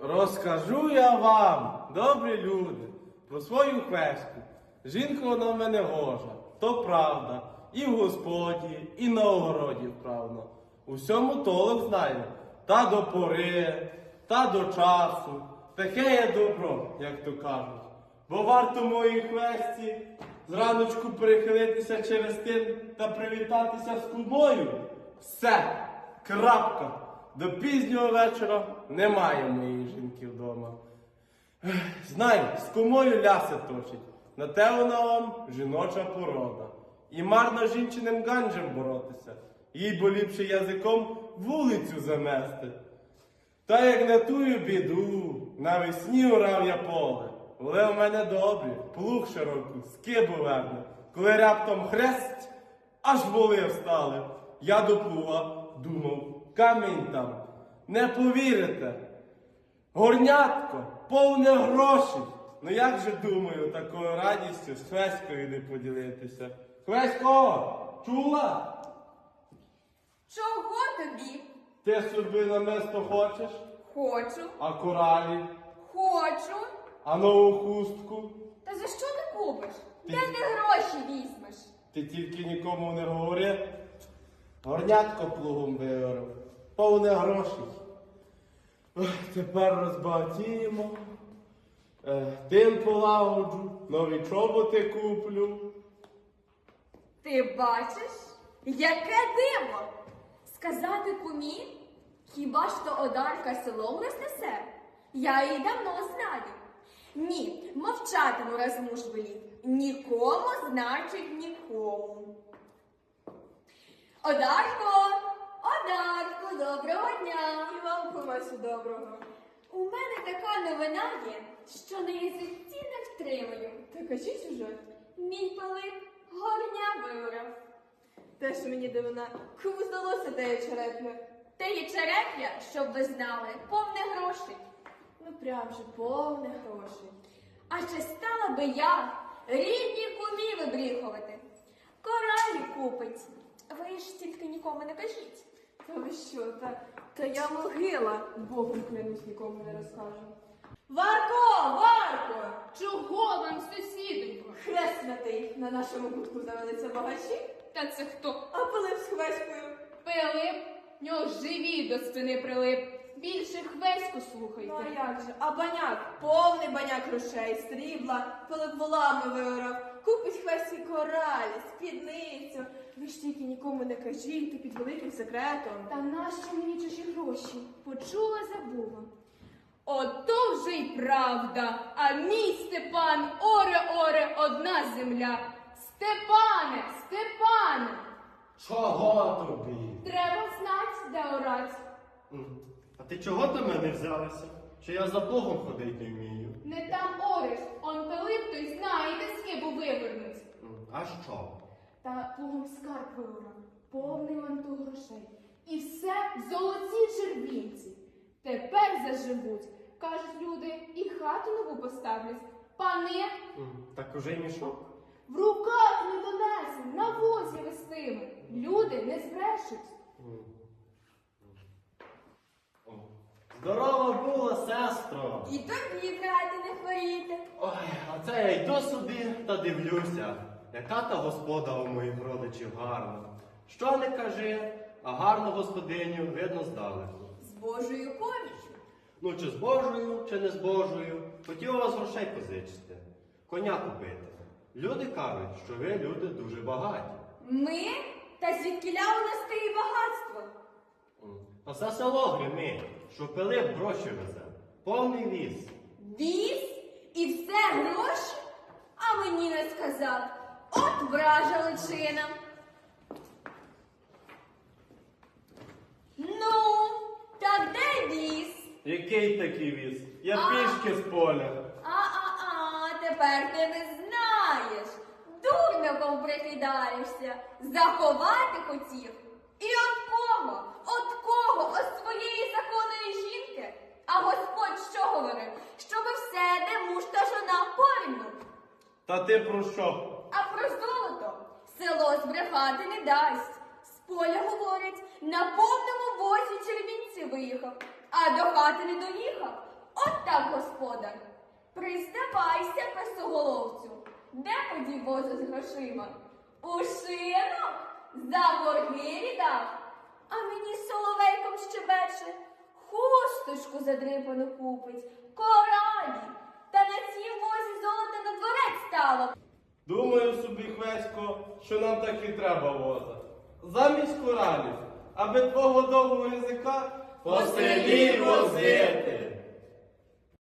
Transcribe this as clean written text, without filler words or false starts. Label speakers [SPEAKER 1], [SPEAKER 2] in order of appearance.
[SPEAKER 1] Розкажу я вам, добрі люди, про свою хвеську. Жінка вона в мене гожа, то правда. І в господі, і на огороді вправно. У всьому толок знаю. Та до пори, та до часу. Таке є добро, як то кажуть. Бо варто моїй хвесті зраночку перехилитися через тин та привітатися з кумою. Все, крапка. До пізнього вечора немає моєї жінки вдома. Знай, з кумою ляси точить. На те вона вам жіноча порода. І марно жінчиним ганджем боротися. Їй бо ліпше язиком вулицю замести. Та як на тую біду, навесні урав я поле. Воли в мене добрі, плуг широкий, скибу верне. Коли раптом хрест, аж воли встали. Я до плуга думав, камінь там. Не повірите. Горнятко, повне грошей. Ну як же, думаю, такою радістю з Хвеською не поділитися? Хвесько, чула?
[SPEAKER 2] Чого тобі?
[SPEAKER 1] Ти собі намисто хочеш?
[SPEAKER 2] Хочу.
[SPEAKER 1] А коралі?
[SPEAKER 2] Хочу.
[SPEAKER 1] А нову хустку?
[SPEAKER 2] Та за що не купиш? Де ти гроші візьмеш?
[SPEAKER 1] Ти тільки нікому не говори. Горнятко плугом виорав. Повне грошей. Ох, тепер розбагатіємо. Тим полагоджу, нові чоботи куплю.
[SPEAKER 2] Ти бачиш? Яке диво! Сказати кумі? Хіба ж то Одарка селом рознесе? Я її давно знаю. Ні, мовчатиму, раз муж велів. Нікому, значить, нікому. Одарко! Одарко, доброго дня!
[SPEAKER 3] І вам, кумасю, доброго.
[SPEAKER 2] У мене така новина є, що на язиці не втримаю.
[SPEAKER 3] Та кажіть уже.
[SPEAKER 2] Мій Пилип горня виорав.
[SPEAKER 3] Те, що мені дивина, кому здалося те черепне.
[SPEAKER 2] Те є череп'я, щоб ви знали, повне грошей.
[SPEAKER 3] Ну прям же повне грошей.
[SPEAKER 2] А чи стала би я рідні кумі вибріхувати? Коралі купить. Ви ж тільки нікому не кажіть.
[SPEAKER 3] Та ви що, та я могила. Богом клянусь, нікому не розкажу. Варко! Варко!
[SPEAKER 4] Чого вам, сусідонько?
[SPEAKER 3] Хреснатий на нашому кутку завелися багачі,
[SPEAKER 4] Та це хто?
[SPEAKER 3] а Пилип з Хвеською.
[SPEAKER 4] Пилип? В нього живіт до спини прилип. Більше Хвеську слухайте.
[SPEAKER 3] Ну а як же? А баняк, повний баняк грошей, срібла, Пилип волами виорав. Купить Хвесті коралі, спідницю. Ви ж тільки нікому не кажіть, ти під великим секретом.
[SPEAKER 4] Та нащо мені чужі гроші? Почула, забула. Ото вже й правда, а мій Степан, оре, одна земля. Степане, Степане!
[SPEAKER 1] Чого тобі?
[SPEAKER 4] Треба знать, де орать.
[SPEAKER 1] А ти чого до мене взялася? Що я за Богом ходить не вмію?
[SPEAKER 4] Не там ореш, он Пилип той знає, де скибу вивернуть.
[SPEAKER 1] А що?
[SPEAKER 4] Та плугом скарб виорав, повний лантух грошей. І все в золотій червінці. Тепер заживуть, кажуть люди, і хату нову поставлять. Пани
[SPEAKER 1] Так уже й мішок.
[SPEAKER 4] в руках не донесуть, на возі вестиме. Люди не збрешуть.
[SPEAKER 1] Здорова була, сестро!
[SPEAKER 2] І тобі, брате, не хворіти.
[SPEAKER 1] Ой, а це я йду собі та дивлюся, яка та господа у моїх родичів гарна. Що не кажи, а гарну господиню видно здалеку.
[SPEAKER 2] З Божою поміччю.
[SPEAKER 1] Ну, чи з Божою, чи не з Божою, хотів у вас грошей позичити, коня купити. Люди кажуть, що ви люди дуже багаті.
[SPEAKER 2] Ми? Та звідкіля у нас те і багатство?
[SPEAKER 1] А все село гримить, що Пилип гроші везе, повний віз.
[SPEAKER 2] Віз? І все гроші? А мені не сказав. От вража личина. Ну, та де віз?
[SPEAKER 1] Який такий віз? Я
[SPEAKER 2] А.
[SPEAKER 1] пішки з поля.
[SPEAKER 2] Тепер ти не знаєш. Дурником прикидаєшся. Заховати хотів. І от кого? От кого? От своєї законної жінки? А Господь що говорив? Щоби все, де муж та жона порівну.
[SPEAKER 1] Та ти про що?
[SPEAKER 2] А про золото село збрехати не дасть. З поля говорять, на повному возі червінці виїхав, а до хати не доїхав. От так, господар. Признавайся, песоголовцю, де подів воза з грошима? У шинок? За борги віддав? А мені соловейком щебече, хусточку задрипану купить, коралі, та на цій возі золота на дворець стало.
[SPEAKER 1] Думаю собі, Хвесько, що нам так і треба воза. Замість коралів, аби твого довгого язика
[SPEAKER 5] По селі возити.